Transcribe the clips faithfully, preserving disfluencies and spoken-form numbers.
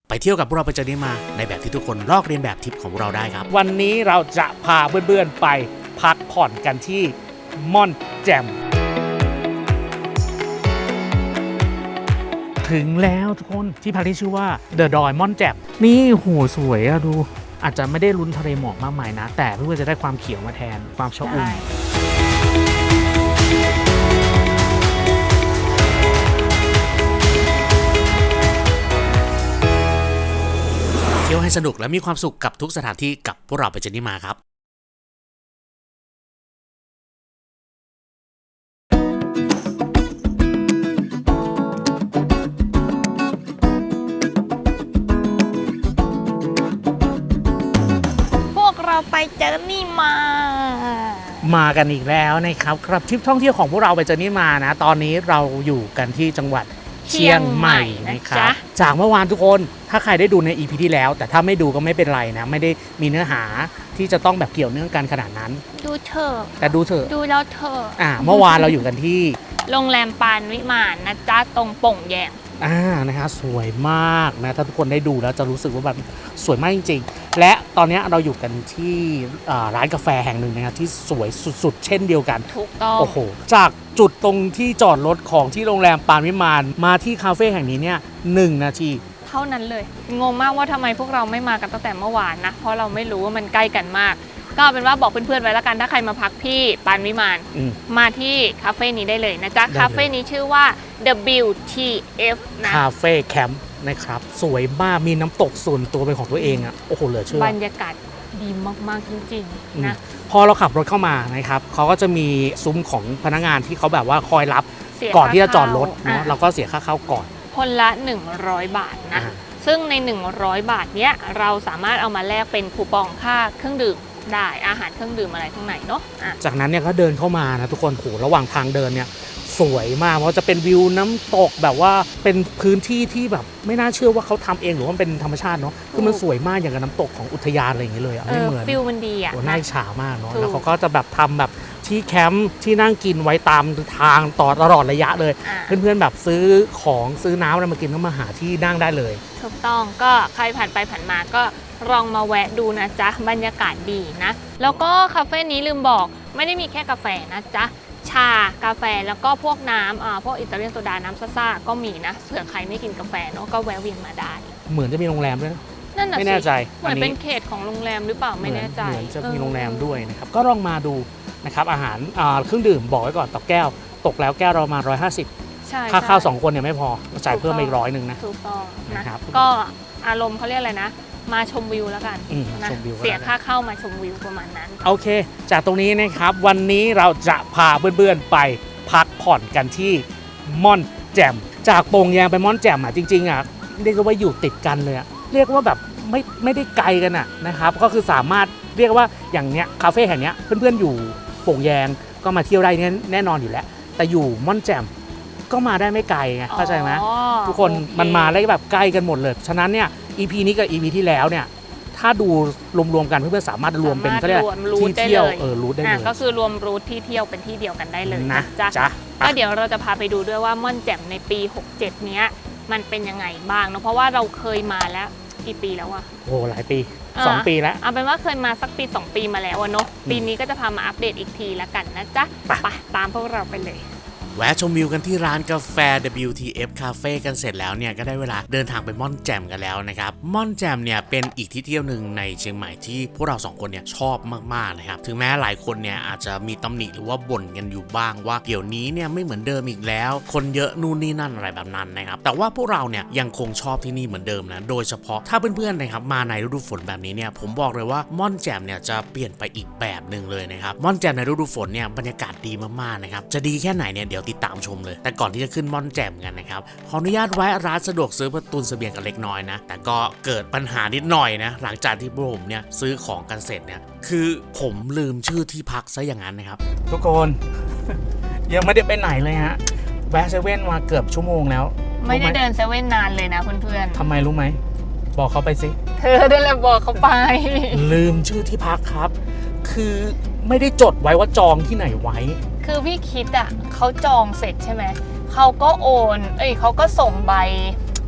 ไปเที่ยวกับพวกเราไปเจอนี้มาในแบบที่ทุกคนลอกเรียนแบบทริปของเราได้ครับวันนี้เราจะพาเพื่อนๆไปพักผ่อนกันที่ม่อนแจ่มถึงแล้วทุกคนที่พักที่ชื่อว่าเดอะดอยม่อนแจ่มนี่โหสวยอะดูอาจจะไม่ได้ลุ้นทะเลหมอกมากมายนะแต่เพื่อนๆจะได้ความเขียวมาแทนความชอุ่มเที่ยวให้สนุกและมีความสุขกับทุกสถานที่กับพวกเราไปเจอนี้มาครับไปเจอนี่มามากันอีกแล้วนะครับครับทริปท่องเที่ยวของพวกเราไปเจอนี่มานะตอนนี้เราอยู่กันที่จังหวัดเชียงใหม่นะครับจากเมื่อวานทุกคนถ้าใครได้ดูใน อี พี ที่แล้วแต่ถ้าไม่ดูก็ไม่เป็นไรนะไม่ได้มีเนื้อหาที่จะต้องแบบเกี่ยวเนื่องกันขนาดนั้นดูเถอะแต่ดูเถอะดูแล้วเถอะอ่าเมื่อวานเราอยู่กันที่โรงแรมปานวิมานนะจ๊ะตรงโป่งแยงอ่านะฮะสวยมากนะถ้าทุกคนได้ดูแล้วจะรู้สึกว่าแบบสวยมากจริงๆและตอนนี้เราอยู่กันที่ร้านกาแฟแห่งหนึ่งนะครับที่สวยสุดๆเช่นเดียวกันถูกต้องโอ้โหจากจุดตรงที่จอดรถของที่โรงแรมปานวิมานมาที่คาเฟ่แห่งนี้เนี่ยหนึ่งนาทีเท่านั้นเลยงงมากว่าทำไมพวกเราไม่มากันตั้งแต่เมื่อวานนะเพราะเราไม่รู้ว่ามันใกล้กันมากก็เป็นว่าบอกเพื่อนๆไว้แล้วกันถ้าใครมาพักที่ปานวิมานมาที่คาเฟ่นี้ได้เลยนะจ๊ะคาเฟ่นี้ชื่อว่า ดับเบิลยู ที เอฟ นะคาเฟ่แคมป์นะครับสวยมากมีน้ำตกส่วนตัวเป็นของตัวเองอ่ะโอ้โหเหลือเชื่อบรรยากาศดีมากๆจริงๆนะพอเราขับรถเข้ามานะครับเขาก็จะมีซุ้มของพนักงานที่เขาแบบว่าคอยรับก่อนที่จะจอดรถเนาะเราก็เสียค่าเข้าก่อนคนละหนึ่งร้อยบาทนะซึ่งในหนึ่งร้อยบาทเนี้ยเราสามารถเอามาแลกเป็นคูปองค่าเครื่องดื่มได้อาหารเครื่องดื่มอะไรข้างในเนาะจากนั้นเนี่ยก็เดินเข้ามานะทุกคนโหระหว่างทางเดินเนี่ยสวยมากเพราะจะเป็นวิวน้ำตกแบบว่าเป็นพื้นที่ที่แบบไม่น่าเชื่อว่าเขาทำเองหรือว่าเป็นธรรมชาติเนาะคือมันสวยมากอย่างกับน้ำตกของอุทยานอะไรอย่างเงี้ยเลยอ่ะไม่เหมือนฟิลมันดีอ่ะน่าอิจฉามากเนาะแล้วเขาก็จะแบบทำแบบที่แคมป์ที่นั่งกินไว้ตามทางต่อตลอดระยะเลยเพื่อนๆแบบซื้อของซื้อน้ำอะไรมากินก็มาหาที่นั่งได้เลยถูกต้องก็ใครผ่านไปผ่านมาก็ลองมาแวะดูนะจ๊ะบรรยากาศดีนะแล้วก็คาเฟ่นี้ลืมบอกไม่ได้มีแค่กาแฟนะจ๊ะชากาแฟแล้วก็พวกน้ำอ่าพวกอิตาเลียนโซดาน้ำซ่าๆก็มีนะเผื่อใครไม่กินกาแฟเนาะก็แวะเวียนมาได้เหมือนจะมีโรงแรมด้วยนะนั่นน่ะไม่แน่ใจเหมือนเป็นเขตของโรงแรมหรือเปล่าไม่แน่ใจเหมือนจะมีโรงแรมด้วยนะครับก็ลองมาดูนะครับอาหารเครื่องดื่มบอกไว้ก่อนต่อแก้วตกแล้วแก้วเรามาหนึ่งร้อยห้าสิบค่าข้าวสองคนเนี่ยไม่พอจ่ายเพิ่มอีกร้อยหนึ่งนะถูกต้องนะครับก็อารมณ์เขาเรียกอะไรนะมาชมวิวแล้วกันนะเสียค่าเข้ามาชมวิวประมาณนั้นโอเคจากตรงนี้นะครับวันนี้เราจะพาเพื่อนๆไปพักผ่อนกันที่ม่อนแจ่มจากโป่งแยงไปม่อนแจ่มอ่ะจริงๆอ่ะเรียกว่าอยู่ติดกันเลยอ่ะเรียกว่าแบบไม่ไม่ได้ไกลกันอ่ะนะครับก็คือสามารถเรียกว่าอย่างเนี้ยคาเฟ่แห่งเนี้ยเพื่อนๆอยู่โป่งแยงก็มาเที่ยวได้แน่นอนอยู่แล้วแต่อยู่ม่อนแจ่มก็มาได้ไม่ไกลไงเข้าใจไหมทุกคนมันมาได้แบบใกล้กันหมดเลยฉะนั้นเนี่ย อี พี นี้กับ อี พี ที่แล้วเนี่ยถ้าดูรวมๆกันเพื่อนๆสามารถรวมเป็นก็เรียกที่เที่ยวเออรูทได้เลยก็คือรวมรูทที่เที่ยวเป็นที่เดียวกันได้เลยนะจ๊ะก็เดี๋ยวเราจะพาไปดูด้วยว่าม่อนแจ่มในปีหกเจ็ดเนี้ยมันเป็นยังไงบ้างเนาะเพราะว่าเราเคยมาแล้วกี่ปีแล้วอะโอ้หลายปีสองปีแล้วเอาเป็นว่าเคยมาสักปีสองปีมาแล้วเนาะปีนี้ก็จะพามาอัปเดตอีกทีแล้วกันนะจ๊ะไปตามพวกเราไปเลยแวะชมวิวกันที่ร้านกาแฟ ดับเบิลยู ที เอฟ Cafe กันเสร็จแล้วเนี่ยก็ได้เวลาเดินทางไปม่อนแจ่มกันแล้วนะครับม่อนแจ่มเนี่ยเป็นอีกที่เที่ยวหนึ่งในเชียงใหม่ที่พวกเราสองคนเนี่ยชอบมากๆนะครับถึงแม้หลายคนเนี่ยอาจจะมีตำหนิหรือว่าบ่นกันอยู่บ้างว่าเดี๋ยวนี้เนี่ยไม่เหมือนเดิมอีกแล้วคนเยอะนู่นนี่นั่นอะไรแบบนั้นนะครับแต่ว่าพวกเราเนี่ยยังคงชอบที่นี่เหมือนเดิมนะโดยเฉพาะถ้าเพื่อนๆนะครับมาในฤดูฝนแบบนี้เนี่ยผมบอกเลยว่าม่อนแจ่มเนี่ยจะเปลี่ยนไปอีกแบบหนึ่งเลยนะครับม่อนแจ่มในฤดูฝนเนี่ยบรรยากาศดีมากๆนะครับจะดีแค่ไหนเนี่ยเดี๋ยวติดตามชมเลยแต่ก่อนที่จะขึ้นม่อนแจ่มกันนะครับขออนุญาตแวะร้านสะดวกซื้อเพื่อตุนเสบียงกันเล็กน้อยนะแต่ก็เกิดปัญหานิดหน่อยนะหลังจากที่ผมเนี่ยซื้อของกันเสร็จเนี่ยคือผมลืมชื่อที่พักซะอย่างนั้นนะครับทุกคนยังไม่ได้ไปไหนเลยฮะแวะเซเว่นมาเกือบชั่วโมงแล้วไม่ได้เดินเซเว่นนานเลยนะเพื่อนๆทำไมรู้ไหมบอกเขาไปสิเธอเดินแล้วบอกเขาไปลืมชื่อที่พักครับคือไม่ได้จดไว้ว่าจองที่ไหนไว้คือพี่คิดอ่ะเขาจองเสร็จใช่ไหมเขาก็โอนเอ้ยเขาก็ส่งใบ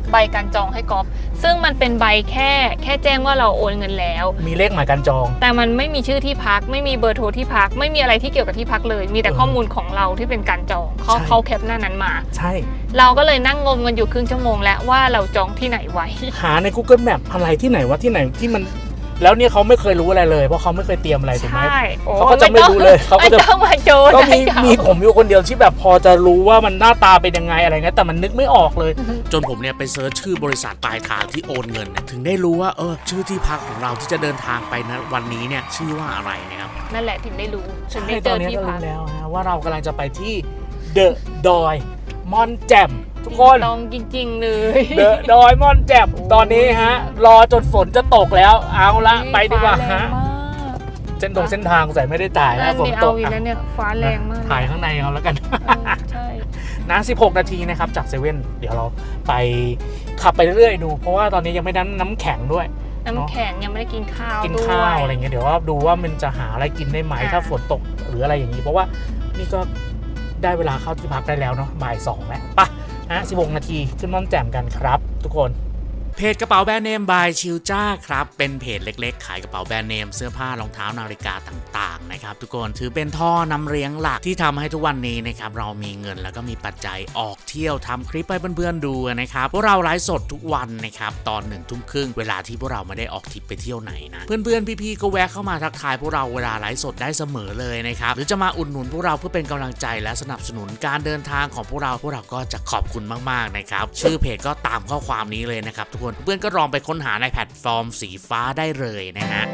ใบการจองให้ก๊อฟซึ่งมันเป็นใบแค่แค่แจ้งว่าเราโอนเงินแล้วมีเลขหมายการจองแต่มันไม่มีชื่อที่พักไม่มีเบอร์โทรที่พักไม่มีอะไรที่เกี่ยวกับที่พักเลยมีแต่ข้อมูลของเราที่เป็นการจองเขาเขาแคปหน้านั้นมาใช่เราก็เลยนั่งงมกันอยู่ครึ่งชั่วโมงแล้วว่าเราจองที่ไหนไว้หาใน Google Map อะไรที่ไหนวะที่ไหนที่มันแล้วเนี่ยเขาไม่เคยรู้อะไรเลยเพราะเขาไม่เคยเตรียมอะไรถูกไหมเขาก็จะไม่รู้เลยเขาก็จะมาโจก็มีมีผมอยู่คนเดียวที่แบบพอจะรู้ว่ามันหน้าตาเป็นยังไงอะไรเงี้ยแต่มันนึกไม่ออกเลยจนผมเนี่ยไปเซิร์ชชื่อบริษัทปลายทางที่โอนเงินถึงได้รู้ว่าเออชื่อที่พักของเราที่จะเดินทางไปนะวันนี้เนี่ยชื่อว่าอะไรนะครับนั่นแหละถึงได้รู้ถึงได้เจอที่พักแล้วฮะว่าเรากำลังจะไปที่เดอะดอยม่อนแจ่มทุกคนลองจริงๆเลยเดอะดอยม่อนแจ่มตอนนี้ฮะรอจนฝนจะตกแล้วเอาละไปดีกว่าฮะเส้นตรงเส้นทางใส่ไม่ได้ถ่ายนะฝนตกอีกแล้วเนี่ยฟ้าแรงมากถ่ายข้างในเอาแล้วกันใช่นะสิบหกนาทีนะครับจากเซเว่นเดี๋ยวเราไปขับไปเรื่อยๆดูเพราะว่าตอนนี้ยังไม่ได้น้ำแข็งด้วยน้ำแข็งยังไม่ได้กินข้าวกินข้าวอะไรเงี้ยเดี๋ยวว่าดูว่ามันจะหาอะไรกินได้ไหมถ้าฝนตกหรืออะไรอย่างนี้เพราะว่านี่ก็ได้เวลาเข้าที่พักได้แล้วเนาะบ่ายสองแล้วปะฮะสิบหกนาทีขึ้นม่อนแจ่มกันครับทุกคนเพจกระเป๋าแบรนด์เนมบายชิลจ้าครับเป็นเพจเล็กๆขายกระเป๋าแบรนด์เนมเสื้อผ้ารองเท้านาฬิกาต่างๆนะครับทุกคนถือเป็นท่อนำเลี้ยงหลักที่ทำให้ทุกวันนี้นะครับเรามีเงินแล้วก็มีปัจจัยออกเที่ยวทำคลิปให้เพื่อนๆดูนะครับพวกเราไลฟ์สดทุกวันนะครับตอนหนึ่งทุ่มครึ่งเวลาที่พวกเราไม่ได้ออกทริปไปเที่ยวไหนนะเพื่อนๆพี่ๆก็แวะเข้ามาทักทายพวกเราเวลาไลฟ์สดได้เสมอเลยนะครับหรือจะมาอุดหนุนพวกเราเพื่อเป็นกำลังใจและสนับสนุนการเดินทางของพวกเราพวกเราก็จะขอบคุณมากๆนะครับชื่อเพจก็ตามข้อความนี้เลยนะครับทุกคนเพื่อนก็ลองไปค้นหาในแพลตฟอร์มสีฟ้าได้เลยนะฮะ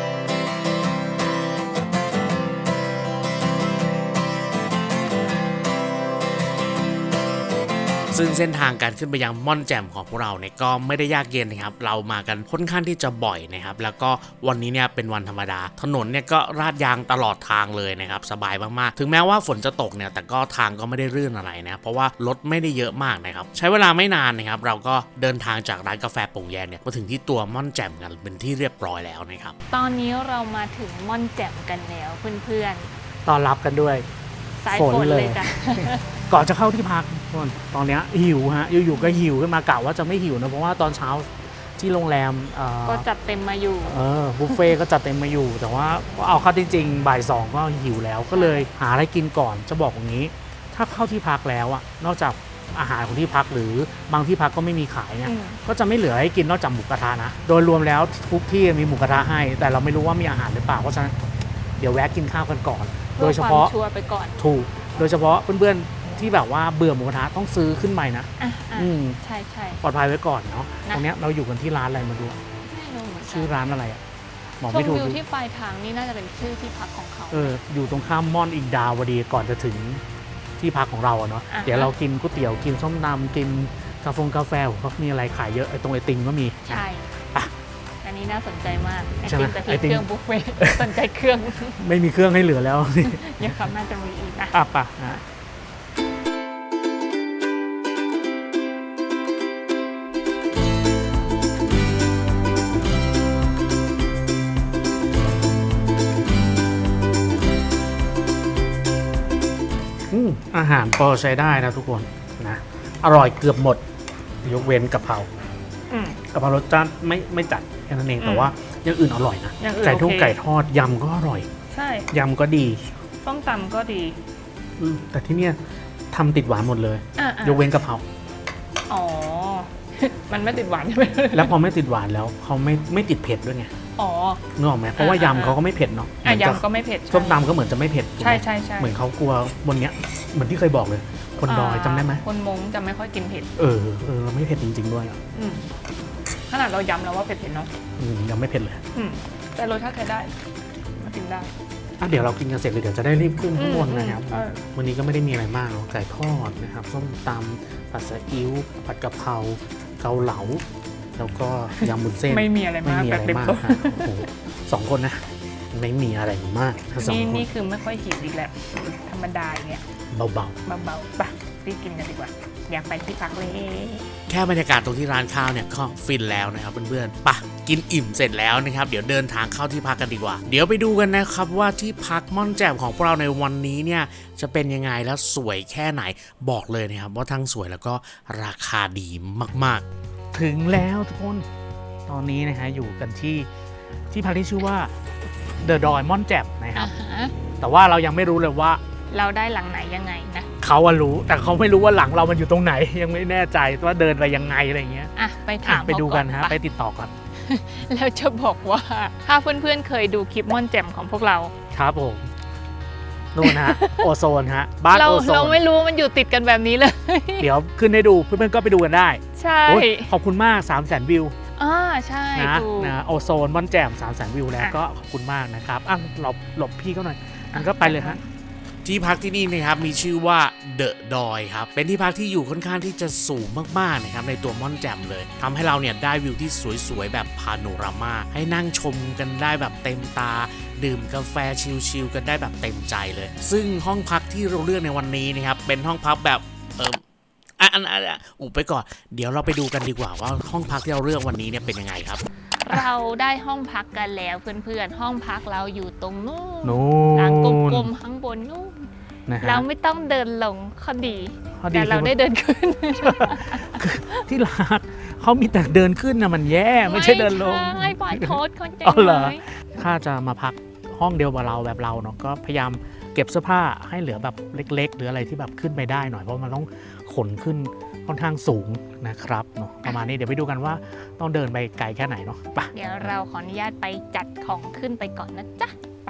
ซึ่งเส้นทางการขึ้นไปยังม่อนแจ่มของพวกเราเนี่ยก็ไม่ได้ยากเย็นนะครับเรามากันค่อนข้างที่จะบ่อยนะครับแล้วก็วันนี้เนี่ยเป็นวันธรรมดาถนนเนี่ยก็ราดยางตลอดทางเลยนะครับสบายมากๆถึงแม้ว่าฝนจะตกเนี่ยแต่ก็ทางก็ไม่ได้รื่นอะไรนะเพราะว่ารถไม่ได้เยอะมากนะครับใช้เวลาไม่นานนะครับเราก็เดินทางจากร้านกาแฟโป่งแยงเนี่ยมาถึงที่ตัวม่อนแจ่มกันเป็นที่เรียบร้อยแล้วนะครับตอนนี้เรามาถึงม่อนแจ่มกันแล้วเพื่อนๆต้อนรับกันด้วยสายฝนเลยจ้ะก่อนจะเข้าที่พักตอนนี้หิวฮะอยู่ๆก็หิวขึ้นมากะว่าจะไม่หิวนะเพราะว่าตอนเช้าที่โรงแรมก็จัดเต็มมาอยู่เออบุฟเฟ่ก็จัดเต็มมาอยู่แต่ว่าเอาเข้าจริงๆบ่ายสองก็หิวแล้วก็เลยหาอะไรกินก่อนจะบอกอย่างนี้ถ้าเข้าที่พักแล้วอะนอกจากอาหารของที่พักหรือบางที่พักก็ไม่มีขายเนี่ยก็จะไม่เหลือให้กินนอกจากหมูกระทะนะโดยรวมแล้วทุกที่มีหมูกระทะให้แต่เราไม่รู้ว่ามีอาหารหรือเปล่าเพราะฉะนั้นเดี๋ยวแวะกินข้าวกันก่อนโดยเฉพาะชัวร์ไปก่อนถูกโดยเฉพาะเพื่อนๆที่แบบว่าเบื่อหมูกระทะต้องซื้อขึ้นใหม่นะอืมใช่ใช่ปลอดภัยไว้ก่อนเนาะตรงเนี้ยเราอยู่กันที่ร้านอะไรมาดูชื่อร้านอะไรอ่ะบอกไม่ถูกอยู่ที่ปลายทางนี่น่าจะเป็นชื่อที่พักของเขาเอออยู่ตรงข้ามม่อนอิงดาวดีก่อนจะถึงที่พักของเราเนาะเดี๋ยวเรากินก๋วยเตี๋ยวกินส้มตำกินกาแฟกาแฟเขามีอะไรขายเยอะไอ้ตรงไอติมก็มีใช่ปะอันนี้น่าสนใจมากไอติมแต่ที่เครื่องบุฟเฟ่สนใจเครื่องไม่มีเครื่องให้เหลือแล้วยังครับน่าจะมีอีกนะอ่ะปะนะอาหารพอใช้ได้นะทุกคนนะอร่อยเกือบหมดยกเว้นกะเพรากะเพรารสจัดไม่ไม่จัดแค่นั้นเองแต่ว่าอย่างอื่นอร่อยนะไก่ทุ่งไก่ทอดยำก็อร่อยใช่ยำก็ดีส้มตำก็ดีแต่ที่เนี้ยทำติดหวานหมดเลยยกเว้นกะเพราอ๋อมันไม่ติดหวานใช่ไหมแล้วพอไม่ติดหวานแล้วเขาไม่ไม่ติดเผ็ดด้วยไงอ๋อนึกออกไหมเพราะว่ายำเขาก็ไม่เผ็ดเนาะยำก็ไม่เผ็ดส้มตำก็เหมือนจะไม่เผ็ดใช่ใช่ใช่เหมือนเขากลัวบนเนี้ยเหมือนที่เคยบอกเลยคนดอยจำได้ไหมคนมงจะไม่ค่อยกินเผ็ดเออเออไม่เผ็ดจริงๆด้วยขนาดเราย้ำแล้วว่าเผ็ดเผ็ดเนาะยังไม่เผ็ดเลยแต่รสชาติใช้ได้มากินได้อ่ะเดี๋ยวเรากินกันเสร็จเลยเดี๋ยวจะได้รีบขึ้นข้างบนนะครับวันนี้ก็ไม่ได้มีอะไรมากหรอกไก่ทอดนะครับส้มตำผัดซีอิ๊วผัดกะเพราเกาเหลาแล้วก็ยำบุนเส้นไม่มีอะไรมากแบบเด็กสองคนนะไม่มีอะไรมากนี่นี่คือไม่ค่อยหิวอีกแล้วธรรมดาเนี่ยเบาๆเบาๆไปรีบกินกันดีกว่าอยากไปที่พักเลยแค่บรรยากาศตรงที่ร้านข้าวเนี่ยก็ฟินแล้วนะครับเพื่อนๆไปะกินอิ่มเสร็จแล้วนะครับเดี๋ยวเดินทางเข้าที่พักกันดีกว่าเดี๋ยวไปดูกันนะครับว่าที่พักม่อนแจ่มของพวกเราในวันนี้เนี่ยจะเป็นยังไงแล้วสวยแค่ไหนบอกเลยนะครับว่าทั้งสวยแล้วก็ราคาดีมากๆถึงแล้วทุกคนตอนนี้นะฮะอยู่กันที่ที่พักที่ชื่อว่าเดอะดอยม่อนแจ่มนะครับอ่าฮะแต่ว่าเรายังไม่รู้เลยว่าเราได้หลังไหนยังไงนะเขาอะรู้แต่เขาไม่รู้ว่าหลังเรามันอยู่ตรงไหน ยังไม่แน่ใจว่าเดินไปยังไงอะไรเงี้ยอ่ะไปถามอ่ะไปดูกันฮะเขาไปก่อติดต่อกันแล้วจะบอกว่าถ้าเพื่อนๆเคยดูคลิปม่อนแจ่มของพวกเราครับผมนู่นฮะ โอโซนฮะบ้านเราโอโซเรานไม่รู้มันอยู่ติดกันแบบนี้เลยเดี๋ยวขึ้นให้ดูเพื่อนๆก็ไปดูกันได้ใช่โอ้ยขอบคุณมาก3 0 0 0 0 0วิวอ่าใช่นะถูกนะโอโซนม่อนแจ่ม3 0 0 0 0 0วิวแล้วอ่ะก็ขอบคุณมากนะครับอ่ะหลบหลบพี่เขาหน่อยมันก็ไปเลยฮะที่พักที่นี่นะครับมีชื่อว่าเดอะดอยครับเป็นที่พักที่อยู่ค่อนข้างที่จะสูงมากๆนะครับในตัวม่อนแจ่มเลยทำให้เราเนี่ยได้วิวที่สวยๆแบบพาโนรามาให้นั่งชมกันได้แบบเต็มตา ดื่มกาแฟชิลๆกันได้แบบเต็มใจเลย ซึ่งห้องพักที่เราเลือกในวันนี้นะครับเป็นห้องพักแบบเอออ่ะอันอันอ่ะอุบไปก่อนเดี๋ยวเราไปดูกันดีกว่าว่าห้องพักที่เราเลือกวันนี้เนี่ยเป็นยังไงครับเราได้ห้องพักกันแล้วเพื่อนๆห้องพักเราอยู่ตรงนู้นนู่หลังกนลมๆข้างบนนู้นนะฮะเราไม่ต้องเดินลงข้อดีข้อดีแต่เราคือได้เดินขึ้นที่รักเขามีแต่เดินขึ้นนะมันแย่ไม่ใช่เดินลงไม่ใช่ปล่อยโทษคนใจอ๋อเหรอไหมถ้าจะมาพักห้องเดียวกับเราแบบเราเนาะก็พยายามเก็บเสื้อผ้าให้เหลือแบบเล็กๆ หรืออะไรที่แบบขึ้นไปได้หน่อยเพราะมันต้องขนขึ้นค่อนข้างสูงนะครับเนาะประมาณนี้เดี๋ยวไปดูกันว่าต้องเดินไปไกลแค่ไหนเนาะไปเดี๋ยวเราขออนุญาตไปจัดของขึ้นไปก่อนนะจ๊ะไป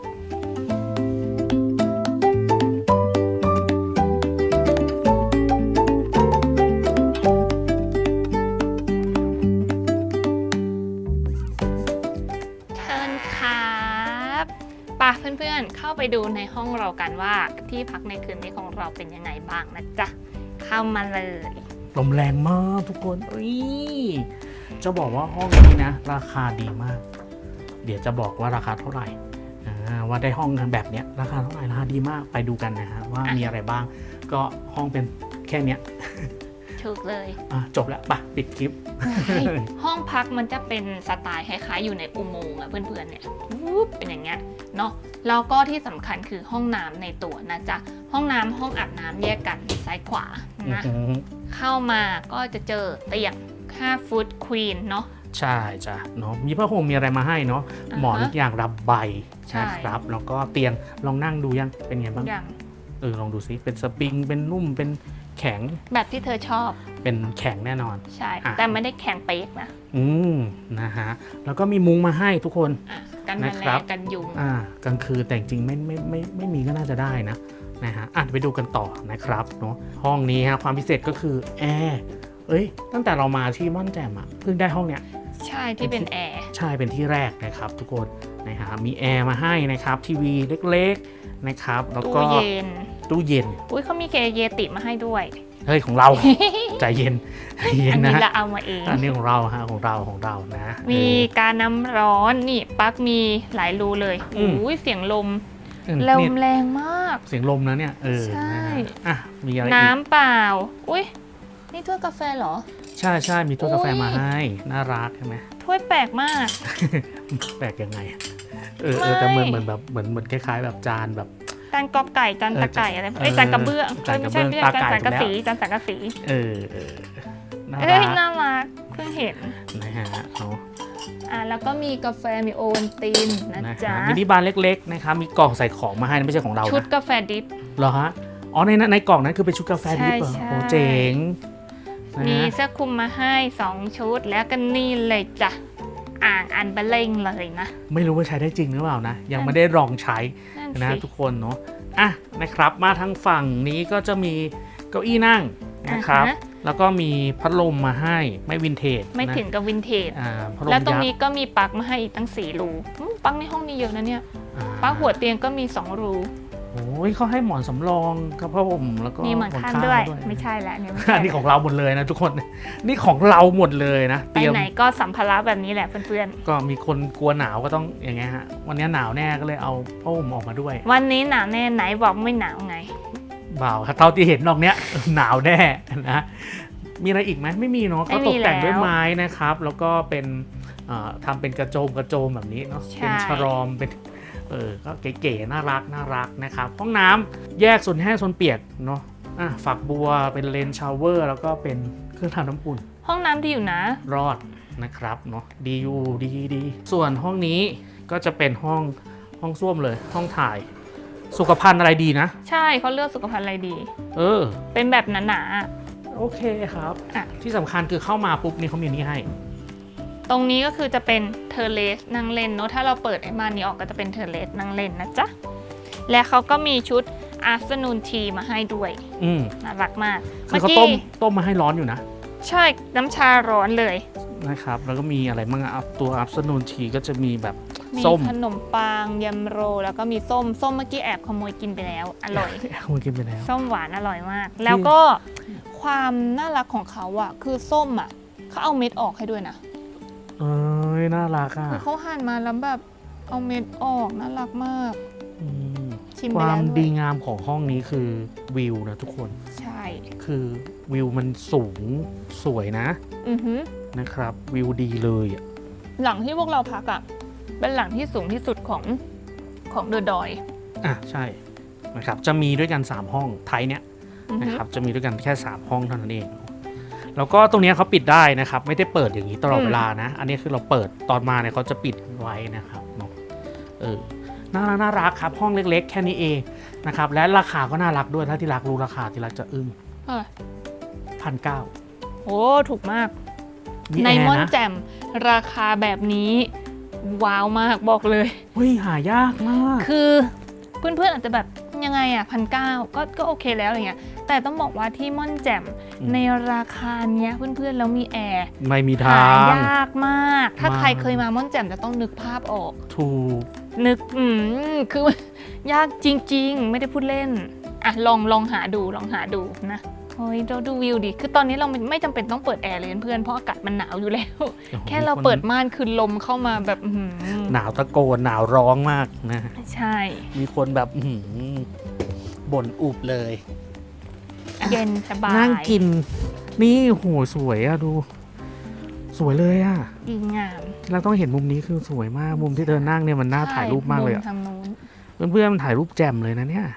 เชิญครับไป่ะเพื่อนๆ เข้าไปดูในห้องเรากันว่าที่พักในคืนนี้ของเราเป็นยังไงบ้างนะจ๊ะ เข้ามาเลยลมแรงมากทุกคนเอ้ยจะบอกว่าห้องนี้นะ ราคาดีมาก เดี๋ยวจะบอกว่าราคาเท่าไหร่อ่าว่าได้ห้องกันแบบเนี้ยราคาเท่าไหร่ราคาดีมากไปดูกันนะฮะว่ามีอะไรบ้าง ก็ห้องเป็นแค่เนี้ยถูกเลยอ่ะจบแล้วปะปิดคลิปห้องพักมันจะเป็นสไตล์คล้ายๆอยู่ในอุโมงค์อะเพื่อนๆเนี่ยวูบเป็นอย่างเงี้ยเนาะแล้วก็ที่สำคัญคือห้องน้ำในตัวนะจ๊ะห้องน้ำห้องอาบน้ำแยกกันซ้ายขวานะเข้ามาก็จะเจอเตียงห้าฟุตควีนเนาะใช่จ้ะเนาะมีผ้าห่มมีอะไรมาให้เนาะอ่าฮะหมอนอย่างระใบใช่นะครับแล้วก็เตียงลองนั่งดูยังเป็นไงบ้างอย่างเออลองดูซิเป็นสปริงเป็นนุ่มเป็นแข็งแบบที่เธอชอบเป็นแข็งแน่นอนใช่อ่ะแต่ไม่ได้แข็งเป๊กนะอืมนะฮะแล้วก็มีมุ้งมาให้ทุกคนอ่ะกันแมนะลครับงกันยุงอ่ากลางคืนแต่จริงๆไม่ไม่ไม่ไม่มีก็น่าจะได้นะนะฮะอ่ะไปดูกันต่อนะครับเนาะห้องนี้ฮะความพิเศษก็คือแอร์เอ้ยตั้งแต่เรามาที่ม่อนแจ่มอ่ะเพิ่งได้ห้องเนี้ยใช่ที่เป็นแอร์ใช่เป็นที่แรกนะครับทุกคนนะฮะมีแอร์มาให้นะครับทีวีเล็กๆนะครับแล้วก็ตู้เย็นตู้เย็นอุ้ยเขามีเคเยติมาให้ด้วยเฮ้ยของเรา ใจเย็นใจเย็อันนนะนี้เราเอามาเองอันนี้ของเราฮะของเราของเรานะมีเออการน้ำร้อนนี่ปลั๊กมีหลายรูเลยอืมอุ้ยเสียงลมเออลนี่มแรงมากเสียงลมนะเนี่ยเออใช่นะฮะอ่ะมีอะไรอีน้ำกเปล่า อุ้ยนี่ถ้วยกาแฟเหรอใช่ใช่มีถ้วยกาแฟอุ๊ยมาให้น่ารักใช่ไหมถ้วยแปลกมากแปลกยังไงเออเออแต่เหมือนเหมือนแบบเหมือนเหมือนคล้ายๆ แบบจานแบบจานกอไก่จานตะไก่อะไรเออเอ้ยจานกระเบื้องจานกระเบื้ไม่องใช่ไม่ใช่ตาไก่จานสังกะถูกแล้วสีจานสังกะสีเออเออน่าเอ้รัยกน่ารักเพิ่งเห็นนะฮะเนาะอ่ะแล้วก็มีกาแฟมีโอวัลตินนะนะจ๊ะฮะมินิบาร์เล็กๆนะครับมีกล่องใส่ของมาให้นะไม่ใช่ของเราชุดนะกาแฟดิฟเหรอฮะอ๋อในนั้นในกล่องนั้นคือเป็นชุดกาแฟดิบเหรอใช่โอ้เจ๋งนะมีฮะเสื้อคลุมมาให้สองชุดแล้วก็นี่เลยจ้ะอ่างอันเบลเลงเลยนะไม่รู้ว่าใช้ได้จริงหรือเปล่านะ ยังไม่ได้ลองใช้นั่นนะสิทุกคนเนาะอ่ะนะครับมาทางฝั่งนี้ก็จะมีเก้าอี้นั่งนะครับอ่าฮะแล้วก็มีพัดลมมาให้ไม่วินเทจไม่นะถึงกับวินเทจอ่าพัดลมแล้วตรงยักนี้ษ์ก็มีปลั๊กมาให้อีกตั้งสี่รูอืมปลั๊กในห้องนี้เยอะนะเนี่ยอ่าปลั๊กหัวเตียงก็มีสองรูโอ้ยเขาให้หมอนสำรองกับผ้าห่มแล้วก็มีหมอนข้างข้างด้วยด้วยไม่ใช่ละเนี่ยไม่ใช่อันนี้ของเราหมดเลยนะทุกคนนี่ของเราหมดเลยนะไปเตรียมไหนก็สัมภาระแบบนี้แหละเพื่อนก็มีคนกลัวหนาวก็ต้องอย่างเงี้ยฮะวันนี้หนาวแน่ก็เลยเอาผ้าห่มออกมาด้วยๆวันนี้หนาวแน่ไหนบอกไม่หนาวไงเบาเท่าที่เห็นนอกเนี้ย หนาวแน่นะมีอะไรอีกไหมไม่มีเนาะเขาตกแต่งด้วยไม้นะครับ แล้วก็เป็นทำเป็นกระโจมกระโจมแบบนี้เนาะเป็นฉลอมเป็นเออก็เก๋ๆน่ารักน่ารักนะครับห้องน้ำแยกส่วนแห้งส่วนเปียกเนาะอ่ะฝักบัวเป็นเลนชาวเวอร์แล้วก็เป็นเครื่องทำน้ำอุ่นห้องน้ำดีอยู่นะรอดนะครับเนาะดีอยู่ดีดีส่วนห้องนี้ก็จะเป็นห้องห้องส้วมเลยห้องถ่ายสุขภัณฑ์อะไรดีนะใช่เขาเลือกสุขภัณฑ์อะไรดีเออเป็นแบบหนาๆโอเคครับอ่ะที่สำคัญคือเข้ามาปุ๊บนี่เขามีนี่ให้ตรงนี้ก็คือจะเป็นเทอร์เลสนั่งเล่นเนาะถ้าเราเปิดไอ้ม่านนี้ออกก็จะเป็นเทอร์เลสนั่งเล่นนะจ๊ะและเขาก็มีชุด afternoon tea มาให้ด้วยอืมน่ารักมากคือเขาต้มต้มมาให้ร้อนอยู่นะใช่น้ำชาร้อนเลยนะครับแล้วก็มีอะไรบ้างอ่ะตัว afternoon tea ก็จะมีแบบมีขนมปังยำโรแล้วก็มีส้มส้มเมื่อกี้แอบขโมยกินไปแล้วอร่อยขโมยกินไปแล้วส้มหวานอร่อยมากแล้วก็ความน่ารักของเขาอ่ะคือส้มอ่ะเขาเอาเม็ดออกให้ด้วยนะเอ้ยน่ารักอ่ะคือเขาหั่นมาแล้วแบบเอาเม็ดออกน่ารักมากชิมไปแล้วความดีงามของห้องนี้คือวิวนะทุกคนใช่คือวิวมันสูงสวยนะอือฮึนะครับวิวดีเลยอ่ะหลังที่พวกเราพักอ่ะเป็นหลังที่สูงที่สุดของของเดอะดอยอ่ะใช่นะครับจะมีด้วยกันสามห้องไทยเนี้ยนะครับจะมีด้วยกันแค่สามห้องเท่านั้นเองแล้วก็ตรงนี้เขาปิดได้นะครับไม่ได้เปิดอย่างนี้ตลอดเวลานะอันนี้คือเราเปิดตอนมาเนี่ยเขาจะปิดไว้นะครับเนาะเออน่ารักน่ารักครับห้องเล็กๆแค่นี้เองนะครับและราคาก็น่ารักด้วยถ้าที่รักรู้ราคาที่รักจะอึ้งพันเก้าโอ้ถูกมากในม่อนแจ่มราคาแบบนี้ว้าวมากบอกเลยเฮ้ยหายากมากคือเพื่อนๆอาจจะแบบยังไงอ่ะพันเก้าก็ก็โอเคแล้วอะไรเงี้ยแต่ต้องบอกว่าที่ม่อนแจ่มในราคาเนี้ยเพื่อนๆแล้วมีแอร์ไม่มีทางหายากมากถ้าใครเคยมาม่อนแจ่มจะต้องนึกภาพออกถูกนึกอืมคือยากจริงๆไม่ได้พูดเล่นอ่ะลองลองหาดูลองหาดูนะเฮ้ยเราดูวิวดิคือตอนนี้เราไม่จำเป็นต้องเปิดแอร์เลยเพื่อนเพราะอากาศมันหนาวอยู่แล้วแค่เราเปิดม่านคือลมเข้ามาแบบหนาวตะโกนหนาวร้องมากนะใช่มีคนแบบบ่นอุบเลยเย็นสบายนั่งกินนี่โหสวยอะดูสวยเลยอะดีงามเราต้องเห็นมุมนี้คือสวยมากมุมที่เธอนั่งเนี่ยมันน่าถ่ายรูปมากเลยอะเพื่อนๆมันถ่ายรูปแจ่มเลยนะเนี่ย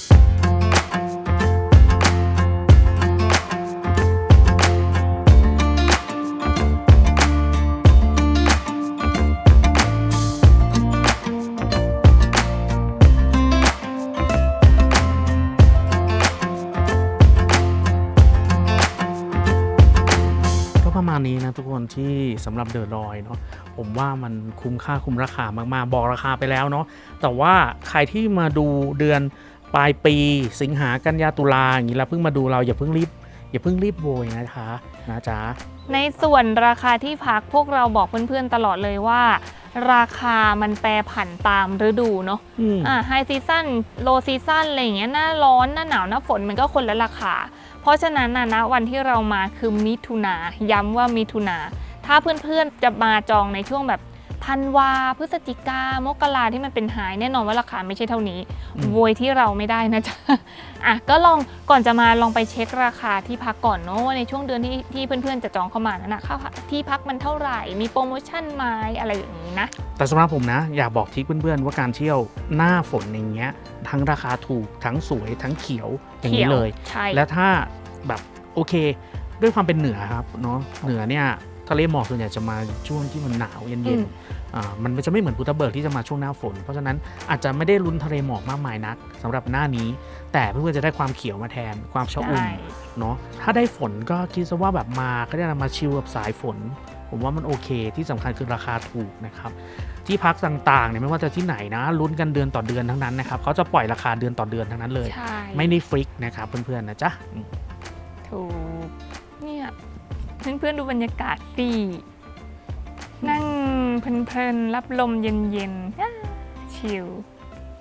นี้นะทุกคนที่สำหรับเดอะดอยเนาะผมว่ามันคุ้มค่าคุ้มราคามากๆบอกราคาไปแล้วเนาะแต่ว่าใครที่มาดูเดือนปลายปีสิงหากันยาตุลาอย่างนี้แล้วเพิ่งมาดูเราอย่าเพิ่งรีบอย่าเพิ่งรีบโวยนะคะนะจ๊ะในส่วนราคาที่พักพวกเราบอกเพื่อนๆตลอดเลยว่าราคามันแปรผันตามฤดูเนาะอ่าไฮซีซั่นโลซีซั่นอะไรอย่างเงี้ยหน้าร้อนหน้าหนาวหน้าฝนมันก็คนละราคาเพราะฉะนั้นนะนะวันที่เรามาคือมิถุนาย้ำว่ามิถุนาถ้าเพื่อนๆจะมาจองในช่วงแบบธันวาพฤศจิกามกราที่มันเป็นไฮแน่นอนว่าราคาไม่ใช่เท่านี้โวยที่เราไม่ได้นะจ๊ะอ่ะก็ลองก่อนจะมาลองไปเช็คราคาที่พักก่อนเนาะในช่วงเดือนที่ที่เพื่อนๆจะจองเข้ามานั่นนะค่าที่พักมันเท่าไหร่มีโปรโมชั่นไหมอะไรอย่างนี้นะแต่สำหรับผมนะอยากบอกทิปเพื่อนๆว่าการเที่ยวหน้าฝนอย่างเงี้ยทั้งราคาถูกทั้งสวยทั้งเขียวอย่างนี้เลยและถ้าแบบโอเคด้วยความเป็นเหนือครับเนาะเหนือเนี่ยทะเลหมอกส่วนใหญ่จะมาช่วงที่มันหนาวเย็นๆอ่ามันจะไม่เหมือนภูทับเบิกที่จะมาช่วงหน้าฝนเพราะฉะนั้นอาจจะไม่ได้ลุ้นทะเลหมอกมากมายนักสำหรับหน้านี้แต่เพื่อนๆจะได้ความเขียวมาแทนความชอุ่มเนาะถ้าได้ฝนก็คิดซะว่าแบบมาก็ได้มาชิลกับสายฝนผมว่ามันโอเคที่สำคัญคือราคาถูกนะครับที่พักต่างๆเนี่ยไม่ว่าจะที่ไหนนะลุ้นกันเดือนต่อเดือนทั้งนั้นนะครับเขาจะปล่อยราคาเดือนต่อเดือนทั้งนั้นเลยไม่ได้ฟิกนะครับเพื่อนๆนะจ๊ะถูกเนี่ยเพื่อนๆดูบรรยากาศสินั่งเพลินๆรับลมเย็นๆชิล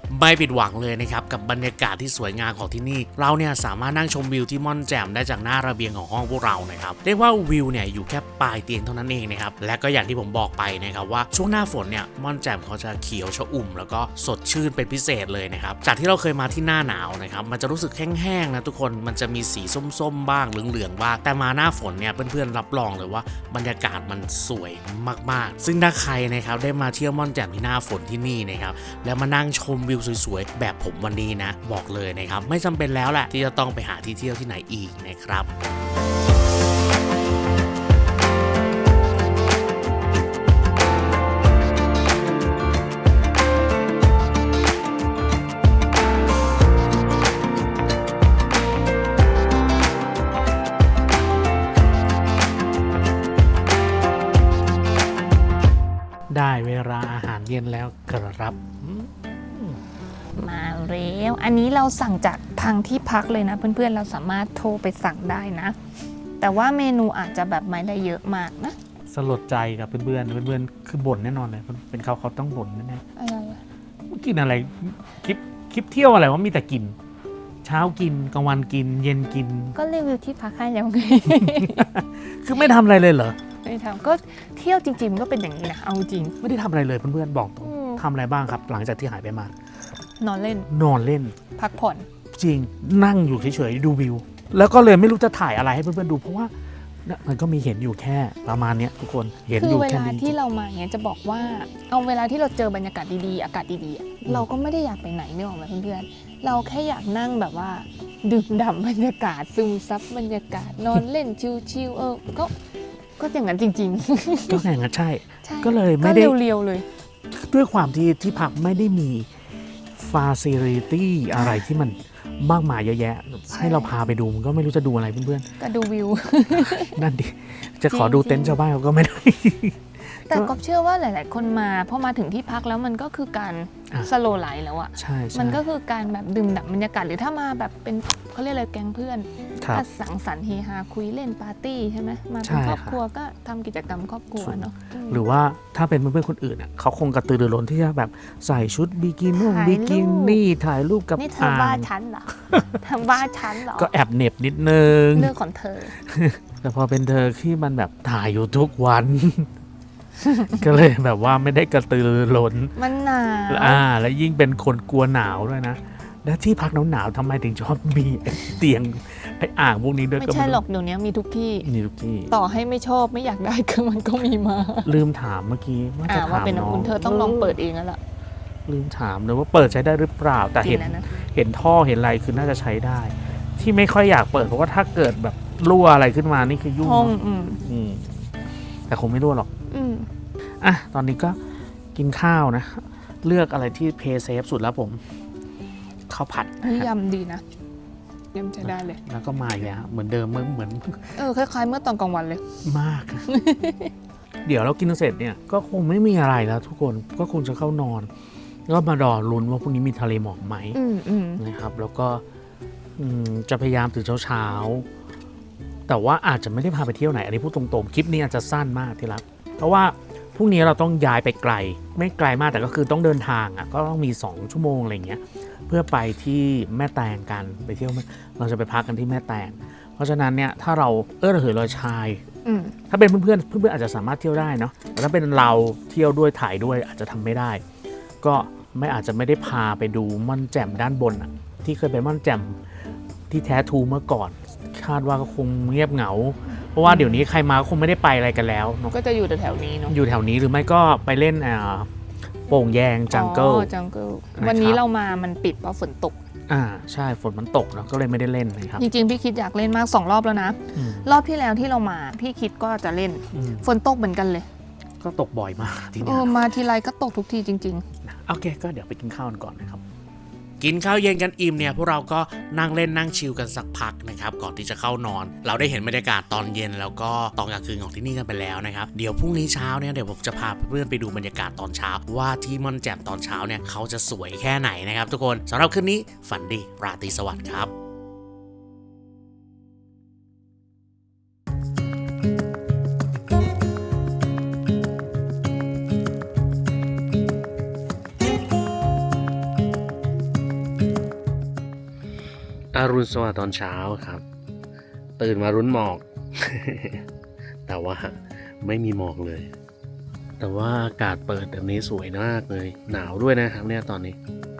ไม่ผิดหวังเลยนะครับกับบรรยากาศที่สวยงามของที่นี่เราเนี่ยสามารถนั่งชมวิวที่ม่อนแจ่มได้จากหน้าระเบียงของห้องพวกเรานะครับเรียกว่าวิวเนี่ยอยู่แค่ปลายเตียงเท่านั้นเองนะครับและก็อย่างที่ผมบอกไปนะครับว่าช่วงหน้าฝนเนี่ยม่อนแจ่มเขาจะเขียวชอุ่มแล้วก็สดชื่นเป็นพิเศษเลยนะครับจากที่เราเคยมาที่หน้าหนาวนะครับมันจะรู้สึกแห้งๆนะทุกคนมันจะมีสีส้มๆบ้างเหลืองๆบ้างแต่มาหน้าฝนเนี่ยเพื่อนๆรับรองเลยว่าบรรยากาศมันสวยมากๆซึ่งถ้าใครนะครับได้มาเที่ยวม่อนแจ่มที่หน้าฝนที่นี่นะครับแล้วมานั่งชมวิวสวยๆแบบผมวันนี้นะบอกเลยนะครับไม่จำเป็นแล้วแหละที่จะต้องไปหาที่เที่ยวที่ไหนอีกนะครับได้เวลาอาหารเย็นแล้วครับมาแล้วอันนี้เราสั่งจากทางที่พักเลยนะเพื่อนๆเราสามารถโทรไปสั่งได้นะแต่ว่าเมนูอาจจะแบบไม่ได้เยอะมากนะสลดใจกับเพื่อนๆเพื่อนๆคือบ่นแน่นอนเลยเป็นเขาเขาต้องบ่นแน่ๆอะไรกินอะไรคลิปคลิปเที่ยวอะไรว่ามีแต่กินเช้ากินกลางวันกินเย็นกินก็รีวิวที่พักให้แล้วไงคือไม่ทำอะไรเลยเหรอไม่ทำก็เที่ยวจริงๆก็เป็นอย่างนี้นะเอาจริงไม่ได้ทำอะไรเลยเพื่อนๆบอกตรงทำอะไรบ้างครับหลังจากที่หายไปมานอนเล่นนอนเล่นพักผ่อนจริงนั่งอยู่เฉยๆดูวิวแล้วก็เลยไม่รู้จะถ่ายอะไรให้เพื่อนๆดูเพราะว่ามันก็มีเห็นอยู่แค่ประมาณนี้ทุกคนเห็นอยู่แค่นี้คือเวลาที่เรามาเนี้ยจะบอกว่าเอาเวลาที่เราเจอบรรยากาศดีๆอากาศดีๆเราก็ไม่ได้อยากไปไหนนึกออกไหมเพื่อนๆเราแค่อยากนั่งแบบว่าดื่มด่ำบรรยากาศซึมซับบรรยากาศนอนเล่นชิลๆเออก็ก็อย่างนั้นจริงๆก็อย่างนั้นใช่ก็เลยไม่ได้เรียวๆเลยด้วยความที่ที่พักไม่ได้มีฟาซิลิตี้อะไรที่มันมากมายเยอะแยะให้เราพาไปดูมันก็ไม่รู้จะดูอะไรเพื่อนๆก็ดูวิวนั่นดิจะขอดูเต็นท์ชาวบ้านเขาก็ไม่ได้แต่ก็เชื่อว่าหลายๆคนมาพอมาถึงที่พักแล้วมันก็คือการสโลว์ไลฟ์แล้วอ่ะใช่มันก็คือการแบบดื่มด่ำบรรยากาศหรือถ้ามาแบบเป็นเขาเรียกอะไรแก๊งเพื่อนก็สังสรรค์เฮฮาคุยเล่นปาร์ตี้ใช่ไหมมาเป็นครอบครัวก็ทำกิจกรรมครอบครัวเนาะหรือว่าถ้าเป็นเพื่อนๆคนอื่นอ่ะเขาคงกระตือรือร้นที่จะแบบใส่ชุดบิกินี่บิกินี่ถ่ายรูปกับนี่เธอบ้าฉันเหรอเธอบ้าฉันเหรอก็แอบเหน็บนิดนึงเรื่องของเธอแต่พอเป็นเธอที่มันแบบถ่ายอยู่ทุกวันก็เลยแบบว่าไม่ได้กระตือรือร้นมันหนาวอ่าแล้วยิ่งเป็นคนกลัวหนาวด้วยนะและที่พักหนาวๆทำไมถึงชอบมีเตียงไอ้อ่างพวกนี้ด้วยไม่ใช่หรอกเดี๋ยวนี้มีทุกที่มีทุกที่ต่อให้ไม่ชอบไม่อยากได้ก็มันก็มีมาลืมถามเมื่อกี้ว่าจะถามน้องเธอต้องลองเปิดเองแล้วล่ะลืมถามเลยว่าเปิดใช้ได้หรือเปล่าแต่เห็นเห็นท่อเห็นอะไรคือน่าจะใช้ได้ที่ไม่ค่อยอยากเปิดเพราะว่าถ้าเกิดแบบรั่วอะไรขึ้นมานี่คือยุ่งอืมแต่คงไม่รั่วหรอกอ่ะตอนนี้ก็กินข้าวนะเลือกอะไรที่เพย์เซฟสุดแล้วผมข้าวผัดยำดีนะยำใช้ได้เลยแล้วก็มาอีกแล้วเหมือนเดิมเหมือนเหมือนเออคล้ายๆเมื่อตอนกลางวันเลยมาก เดี๋ยวเรากินเสร็จเนี่ยก็คงไม่มีอะไรแล้วทุกคนก็คงจะเข้านอนก็มารอลุ้นว่าพรุ่งนี้มีทะเลหมอกไหมนะครับแล้วก็จะพยายามตื่นเช้าๆแต่ว่าอาจจะไม่ได้พาไปเที่ยวไหนอันนี้พูดตรงๆคลิปนี้อาจจะสั้นมากที่รักเพราะว่าพรุ่งนี้เราต้องย้ายไปไกลไม่ไกลมากแต่ก็คือต้องเดินทางอ่ะก็ต้องมีสองชั่วโมงอะไรเงี้ยเพื่อไปที่แม่แตงกันไปเที่ยวเราจะไปพักกันที่แม่แตงเพราะฉะนั้นเนี่ยถ้าเราเออระเหยลอยชายถ้าเป็นเพื่อนๆเพื่อนๆอาจจะสามารถเที่ยวได้เนาะแต่ถ้าเป็นเราเที่ยวด้วยถ่ายด้วยอาจจะทำไม่ได้ก็ไม่อาจจะไม่ได้พาไปดูม่อนแจ่มด้านบนอ่ะที่เคยเป็นม่อนแจ่มที่แท้ทูเมื่อก่อนคาดว่าก็คงเงียบเหงาเพราะว่าเดี๋ยวนี้ใครมาก็คงไม่ได้ไปอะไรกันแล้วก็จะอยู่แถวนี้เนาะอยู่แถวนี้หรือไม่ก็ไปเล่นโป่งแยงจังเกิลจังเกิลวันนี้เรามามันปิดเพราะฝนตกอ่าใช่ฝนมันตกเนาะก็เลยไม่ได้เล่นนะครับจริงๆพี่คิดอยากเล่นมากสองรอบแล้วนะรอบที่แล้วที่เรามาพี่คิดก็จะเล่นฝนตกเหมือนกันเลยก็ตกบ่อยมากทีนี้เออมาทีไรก็ตกทุกทีจริงๆโอเคก็เดี๋ยวไปกินข้าวกันก่อนนะครับกินข้าวเย็นกันอิ่มเนี่ยพวกเราก็นั่งเล่นนั่งชิลกันสักพักนะครับก่อนที่จะเข้านอนเราได้เห็นบรรยากาศตอนเย็นแล้วก็ตอนกลางคืนของที่นี่กันไปแล้วนะครับเดี๋ยวพรุ่งนี้เช้าเนี่ยเดี๋ยวผมจะพาเพื่อนไปดูบรรยากาศตอนเช้าว่าที่ม่อนแจ่มตอนเช้าเนี่ยเขาจะสวยแค่ไหนนะครับทุกคนสำหรับคืนนี้ฝันดีราตรีสวัสดิ์ครับอรุณสวัสดิ์ตอนเช้าครับตื่นมารุ้นหมอก แต่ว่าไม่มีหมอกเลยแต่ว่าอากาศเปิดแบบนี้สวยมากเลยหนาวด้วยนะครับเนี่ยตอนนี้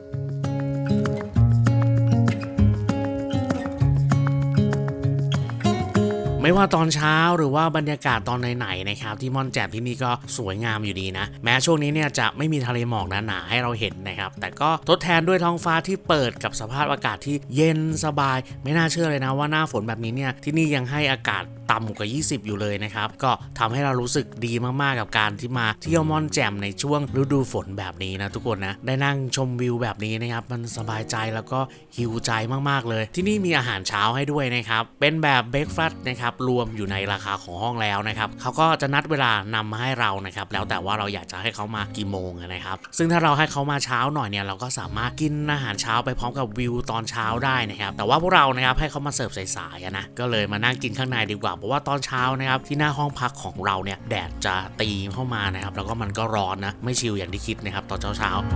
ไม่ว่าตอนเช้าหรือว่าบรรยากาศตอนไหนๆนะครับที่ม่อนแจ่มที่นี่ก็สวยงามอยู่ดีนะแม้ช่วงนี้เนี่ยจะไม่มีทะเลหมอกหนาๆให้เราเห็นนะครับแต่ก็ทดแทนด้วยท้องฟ้าที่เปิดกับสภาพอากาศที่เย็นสบายไม่น่าเชื่อเลยนะว่าหน้าฝนแบบนี้เนี่ยที่นี่ยังให้อากาศต่ำกว่ายี่สิบอยู่เลยนะครับก็ทำให้เรารู้สึกดีมากๆกับการที่มาเที่ยวม่อนแจ่มในช่วงฤดูฝนแบบนี้นะทุกคนนะได้นั่งชมวิวแบบนี้นะครับมันสบายใจแล้วก็หิวใจมากๆเลยที่นี่มีอาหารเช้าให้ด้วยนะครับเป็นแบบเบรคฟาสต์นะครับรวมอยู่ในราคาของห้องแล้วนะครับเขาก็จะนัดเวลานำมาให้เรานะครับแล้วแต่ว่าเราอยากจะให้เขามากี่โมงนะครับซึ่งถ้าเราให้เขามาเช้าหน่อยเนี่ยเราก็สามารถกินอาหารเช้าไปพร้อมกับวิวตอนเช้าได้นะครับแต่ว่าพวกเรานะครับให้เขามาเสิร์ฟสายๆนะก็เลยมานั่งกินข้างในดีกว่าเพราะว่าตอนเช้านะครับที่หน้าห้องพักของเราเนี่ยแดดจะตีเข้ามานะครับแล้วก็มันก็ร้อนนะไม่ชิลอย่างที่คิดนะครับตอนเช้าๆ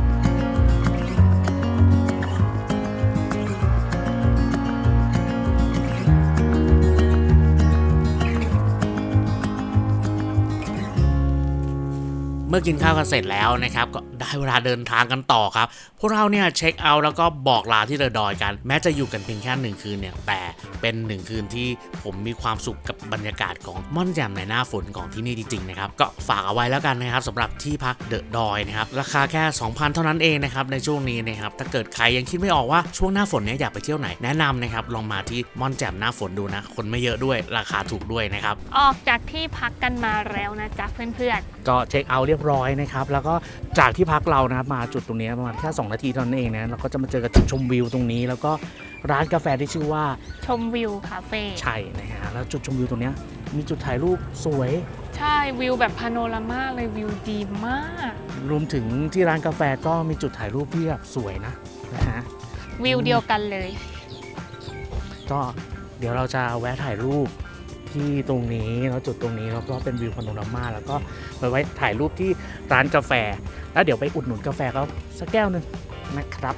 เมื่อกินข้าวกันเสร็จแล้วนะครับก็ได้เวลาเดินทางกันต่อครับพวกเราเนี่ยเช็คเอาท์แล้วก็บอกลาที่เดอะดอยกันแม้จะอยู่กันเพียงแค่หนึ่งคืนเนี่ยแต่เป็นหนึ่งคืนที่ผมมีความสุขกับบรรยากาศของม่อนแจ่มในหน้าฝนของที่นี่จริงๆนะครับก็ฝากเอาไว้แล้วกันนะครับสำหรับที่พักเดอะดอยนะครับราคาแค่ สองพัน เท่านั้นเองนะครับในช่วงนี้นะครับถ้าเกิดใครยังคิดไม่ออกว่าช่วงหน้าฝนเนี่ยอยากไปเที่ยวไหนแนะนำนะครับลองมาที่ม่อนแจ่มหน้าฝนดูนะคนไม่เยอะด้วยราคาถูกด้วยนะครับออกจากที่พักกันมาแล้วนะจ๊ะเพื่อนๆก็เช็คเอาท์เรียบร้อยนะครับแล้วก็จากที่พักเรานะครับมาจุดตรงนี้ประมาณแค่สองนาทีเท่านั้นเองนะเราก็จะมาเจอกับจุดชมวิวตรงนี้แล้วก็ร้านกาแฟที่ชื่อว่าชมวิวคาเฟ่ใช่นะฮะแล้วจุดชมวิวตรงนี้มีจุดถ่ายรูปสวยใช่วิวแบบพาโนรามาเลยวิวดีมากรวมถึงที่ร้านกาแฟก็มีจุดถ่ายรูปที่แบบสวยนะนะฮะวิวเดียวกันเลยก็เดี๋ยวเราจะแวะถ่ายรูปที่ตรงนี้แล้วจุดตรงนี้แล้วก็เป็นวิวพาโนรามาแล้วก็ไปไว้ถ่ายรูปที่ร้านกาแฟแล้วเดี๋ยวไปอุดหนุนกาแฟเขาสักแก้วหนึ่งนะครับ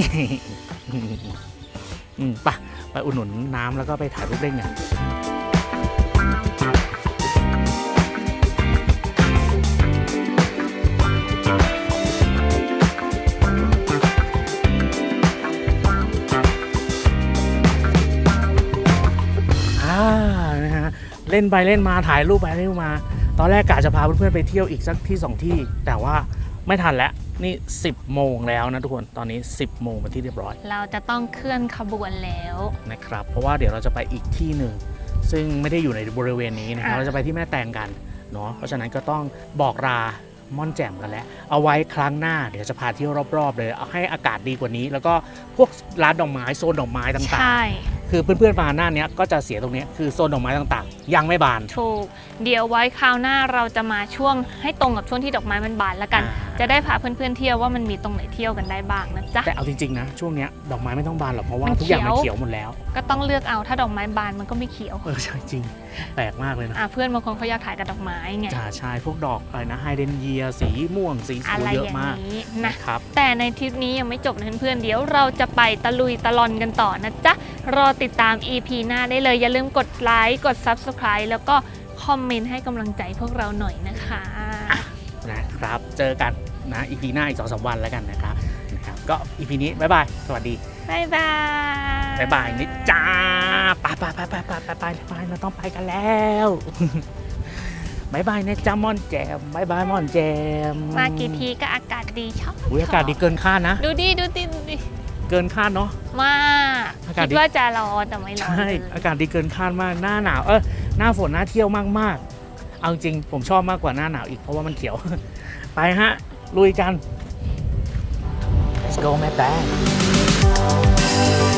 อืมไปไปอุดหนุนน้ำแล้วก็ไปถ่ายรูปเล่นกันเล่นไปเล่นมาถ่ายรูปไปเล่นมาตอนแรกกะจะพาเพื่อนๆไปเที่ยวอีกสักที่สองที่แต่ว่าไม่ทันแล้วนี่สิบโมงแล้วนะทุกคนตอนนี้สิบโมงเป็นที่เรียบร้อยเราจะต้องเคลื่อนขบวนแล้วนะครับเพราะว่าเดี๋ยวเราจะไปอีกที่หนึ่งซึ่งไม่ได้อยู่ในบริเวณนี้นะครับเราจะไปที่แม่แตงกันเนาะเพราะฉะนั้นก็ต้องบอกลาม่อนแจ่มกันแล้วเอาไว้ครั้งหน้าเดี๋ยวจะพาเที่ยวรอบๆเลยเอาให้อากาศดีกว่านี้แล้วก็พวกร้านดอกไม้โซนดอกไม้ต่างๆคือเพื่อนๆมาหน้านี้ก็จะเสียตรงนี้คือโซนดอกไม้ต่างๆยังไม่บานถูกเดี๋ยวไว้คราวหน้าเราจะมาช่วงให้ตรงกับช่วงที่ดอกไม้มันบานแล้วกันจะได้พาเพื่อนๆเที่ยวว่ามันมีตรงไหนเที่ยวกันได้บ้างนะจ๊ะแต่เอาจริงๆนะช่วงนี้ดอกไม้ไม่ต้องบานหรอกเพราะว่าทุกอย่างมันเขียวหมดแล้วก็ต้องเลือกเอาถ้าดอกไม้บานมันก็ไม่เขียวเออใช่จริงแปลกมากเลยนะเพื่อนบางคนเขาอยากถ่ายกับดอกไม้ไงจ่าชายพวกดอกอะไรนะไฮเดรนเยียสีม่วงสีสวยเยอะมากนะครับแต่ในทริปนี้ยังไม่จบนะเพื่อนๆเดี๋ยวเราจะไปตะลุยตะลอนกันต่อนะจ๊ะรอติดตาม อี พี หน้าได้เลยอย่าลืมกดไลค์กด ซับสไครบ์ แล้วก็คอมเมนต์ให้กำลังใจพวกเราหน่อยนะคะนะครับเจอกันนะ อี พี หน้าอีก สองสาม วันแล้วกันนะครับนะครับก็ อี พี นี้บ๊ายบายสวัสดีบ๊ายบายบ๊ายบายนิดจ้าไปไปไปไปไปไปไปเราต้องไปกันแล้วบายบายนะจ๊ะม่อนแจมบายบายม่อนแจมมากี่ทีก็อากาศดีชอบอุ้ยอากาศดีเกินคาดนะดูดิดูดิดูดิเกินคาดเนาะมากคิดว่าจะร้อนแต่ไม่ร้อนใช่อากาศดีเกินคาดมากหน้าหนาวเออหน้าฝนน่าเที่ยวมากๆเอาจริงผมชอบมากกว่าหน้าหนาวอีกเพราะว่ามันเขียวไปฮะลุยกัน Let's go แม่แตง